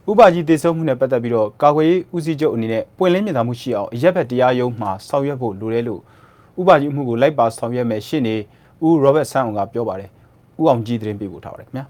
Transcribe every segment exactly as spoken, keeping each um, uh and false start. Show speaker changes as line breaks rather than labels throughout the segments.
ဥပကြီးတည်ဆုံမှုနဲ့ပတ်သက်ပြီးတော့ကာကွယ်ရေးဦးစီးချုပ်အနေနဲ့ပွင့်လင်းမြင်သာမှုရှိအောင်အရက်ဘက်တရားရုံးမှာဆောင်ရွက်ဖို့လိုတယ်လို့ဥပကြီးအမှုကိုလိုက်ပါဆောင်ရွက်မယ်ရှင်းနေဦးရောဘတ်ဆန်းအောင်ကပြောပါတယ်ဦးအောင်ကြီးသတင်းပေးပို့ထားပါတယ်ခင်ဗျာ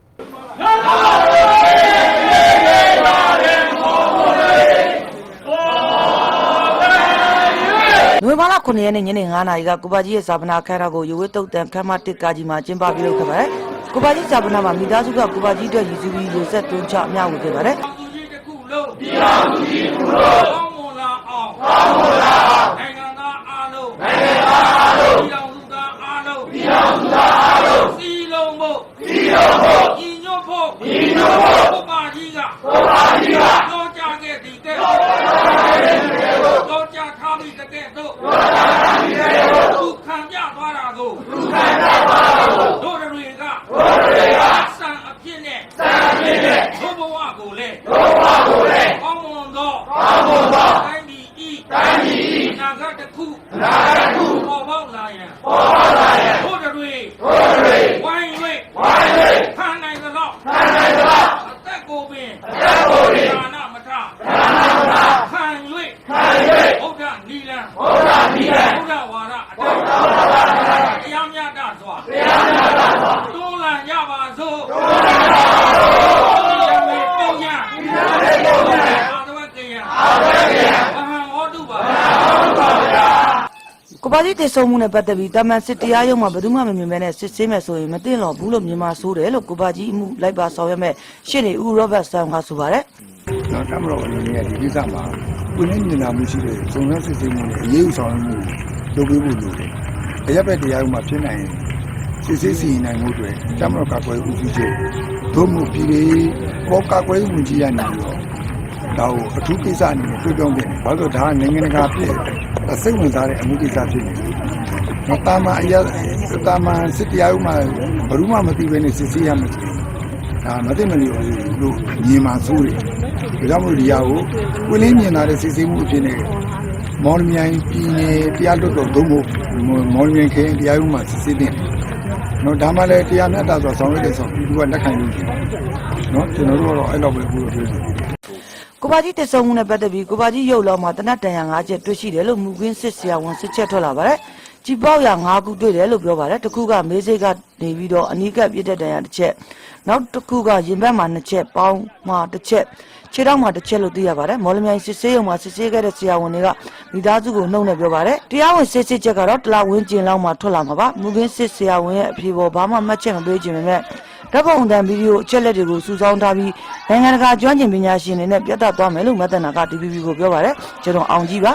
နိုဝင်ဘာလခုနှစ်ရက်နေ့ညနေငါးနာရီကကိုပါကြီးရဲ့ဇာပနာခန်းတော်ကိုရွေးတုတ်တန်ခမ်းမတစ်ကားကြီးမှာကျင်းပပြုလုပ်ခဲ့ပါတယ်။ကိုပါကြီးဇာပနာမှာမိသားစုကကိုပါကြီးအတွက်ရည်စူးပြီးရေဆက်တွန်းချအမျှဝေခဲ့ပါတယ်။ပြည်သူကြီးတစ်ခုလုံးပြည်သူကြီးတစ်ခုလုံးကောင်းမွန်လာအောင်ကောင်းမွန်လာအောင်နိုင်ငံသားအားလုံးနိုင်ငံသားအားလုံးပြည်တော်စုသားအားလုံးပြည်တော်စုသားအားလုံးစီလုံးဖို့စီလုံးဖို့ညီညွတ်ဖို့ညီညွတ်ဖို့ကိုပါကြီးကကိုပါကြီးကကြောကြခဲ့သည်ကဲကြောကြထားပြီးတကယ်တော့သူခံပြသွားတာကိုသူခံပြသွားတာကိုတို့တွေကတို့တွေကစံအဖြစ်နဲ့စံအဖြစ်နဲ့ဘုဘဝကိုလေဘုဘဝကိုလေကောင်းမွန်သောကောင်းမွန်သောတိုင်းပြည်ဤတိုင်းပြည်ဤနာဂတ်တစ်ခုနာဂတ်တစ်ခုပေါ်ပေါက်လာရန်ပေါ်ပေါက်လာရန်တို့တွေတို့တွေဝိုင်း၍ဝိုင်း၍ခံနိုင်သလောက်ခံနိုင်သလောက်အသက်ကိုပင်အသက်ကိုပင်ဒါနမထဒါနမထခံ၍ခံ၍ဘုရားနိလန်ဘုရားနိလန်ဘုရားဝါဒအတိုင်းတရားမြတ်တာစွာတရားမြတ်တာစွာတွန်းလှန်ကြပါစို့တွန်းလှန်ကြပါစို့ဒီမေပုံညာဒီမေပုံညာအာသဝကယအာသဝကယမဟာဟောတုပါမဟာဟောတုပါဗျာကိုပါကြီးတည်ဆုံမှုနဲ့ပတ်သက်ပြီးတာမန်စစ်တရားရုံးမှာဘယ်သူမှမမြင်မဲနဲ့စစ်ဆေးမယ်ဆိုရင်မသိတော့ဘူးလို့မြန်မာဆိုးတယ်လို့ကိုပါကြီးအမှုလိုက်ပါဆောင်ရွက်မဲ့ရှင်းနေဦးရောဘတ်ဆန်ကဆိုပါတယ်
နော်တမတော်အနေနဲ့ဒီကိစ္စမှာပြည်နေမြင်လာမှုရှိတဲ့စုံစမ်းစစ်ဆေးမှုနဲ့အရေးယူဆောင်ရွက်မှုလုပ်ပေးဖို့လိုတယ်။အရက်ဘက်တရားဥမှာဖြစ်နိုင်စစ်ဆေးစီရင်နိုင်မှုတွေတမတော်ကာကွယ်ဦးစီးချုပ်ဒုမှုပြည်ရေးပေါ်ကာကွယ်မှုကြီးရနေပြီးတော့ဒါကိုအထူးကိစ္စအနေနဲ့တွေ့ပြောင်းခဲ့တယ်။ဘာလို့ဒါကနိုင်ငံတကာဖြစ်စိတ်ဝင်စားတဲ့အမှုကိစ္စဖြစ်နေတယ်။နော်တာမန်အရက်တာမန်စစ်တရားဥမှာဘယ်သူမှမသိဘဲနဲ့စစ်ဆေးရမယ်ဆိုရင်ဒါမသိမလျော်ဘူးလို့ညီမဆိုးတယ်။ဒါကြောင့်မို့ဒီဟာကိုကိုလင်းမြင်လာတဲ့စစ်ဆေးမှုအဖြစ်နဲ့မော်လမြိုင်ပြည်နယ်တရားလွှတ်တော်ဒုံမို့မော်လမြိုင်ခရိုင်တရားရုံးမှာစစ်ဆေးတဲ့နော်ဒါမှလည်းတရားမျှတစွာဆောင်ရွက်တဲ့ဆောင်ပြည်သူကလက်ခံလို့ရှိတယ်နော်ကျွန်တော်တို့ကတော့အဲ့လောက်ပဲပြောလို့ပြောတယ်
ကိုပါကြီးတည်ဆုံမှုနဲ့ပတ်သက်ပြီးကိုပါကြီးရုပ်လောမှာတနတ်တန်ရ၅ချက်တွေ့ရှိတယ်လို့မူကွင်းစစ်ဆရာဝန်စစ်ချက်ထွက်လာပါတယ်ကြည်ပေါက်ရ၅ခုတွေ့တယ်လို့ပြောပါတယ်တစ်ခုကမေးစိတ်ကနေပြီးတော့အနီးကပ်ပြည့်တဲ့တန်ရတစ်ချက်နောက်တစ်ခုကရင်ဘတ်မှာနှစ်ချက်ပေါင်းမှာတစ်ချက်ခြေထောက်မှာတစ်ချက်လို့သိရပါတယ်မော်လမြိုင်စစ်ဆေးရုံမှာစစ်ဆေးခဲ့တဲ့ဆရာဝန်တွေကမိသားစုကိုနှုတ်နဲ့ပြောပါတယ်တရားဝင်စစ်ဆေးချက်ကတော့တလားဝင်းကျင်လောက်မှထွက်လာမှာပါမူကွင်းစစ်ဆရာဝန်ရဲ့အဖြေပေါ်ဘာမှမှတ်ချက်မပေးခြင်းပဲဓာတ်ပုံအတန်ဗီဒီယိုအချက်လက်တွေကိုစုဆောင်းထားပြီးနိုင်ငံတကာကျွမ်းကျင်ပညာရှင်တွေနဲ့ပြသသွားမယ်လို့မတ်တနာက တီ ဗီ ဘီ ကိုပြောပါတယ်ကျွန်တော်အောင်ကြီးပါ